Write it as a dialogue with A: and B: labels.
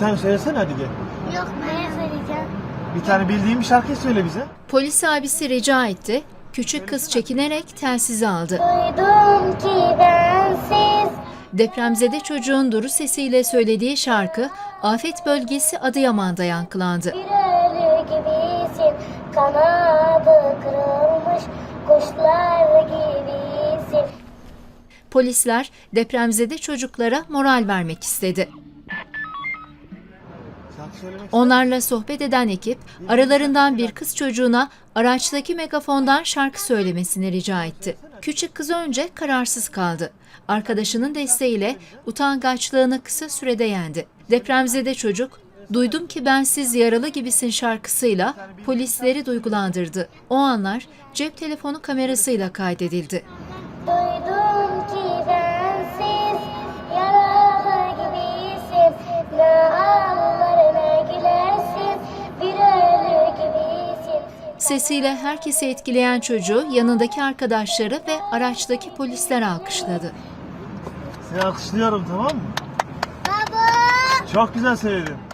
A: tane söylesene hadi gel.
B: Yok, ben söyleyeceğim.
A: Bir tane bildiğin bir şarkı söyle bize.
C: Polis abisi rica etti. Küçük kız çekinerek telsizi aldı.
B: Duydum ki bensiz
C: Depremzede çocuğun duru sesiyle söylediği şarkı afet bölgesi Adıyaman'da yankılandı.
B: bir ölü gibisin, kanadı kırılmış kuşlar gibisin.
C: Polisler depremzede çocuklara moral vermek istedi.
A: Şarkı söylemek
C: Onlarla sohbet eden ekip aralarından bir kız çocuğuna araçtaki megafondan şarkı söylemesini rica etti. Küçük kız önce kararsız kaldı. Arkadaşının desteğiyle utangaçlığını kısa sürede yendi. Depremzede çocuk, "Duydum ki bensiz yaralı gibisin" şarkısıyla polisleri duygulandırdı. O anlar cep telefonu kamerasıyla kaydedildi.
B: Duydum ki bensiz yaralı gibisin, ne ağlar ne gülersin, bir ölü gibisin.
C: Sesiyle herkesi etkileyen çocuğu yanındaki arkadaşları ve araçtaki polisler alkışladı.
A: Seni alkışlıyorum, tamam mı?
B: Baba!
A: Çok güzel söyledin.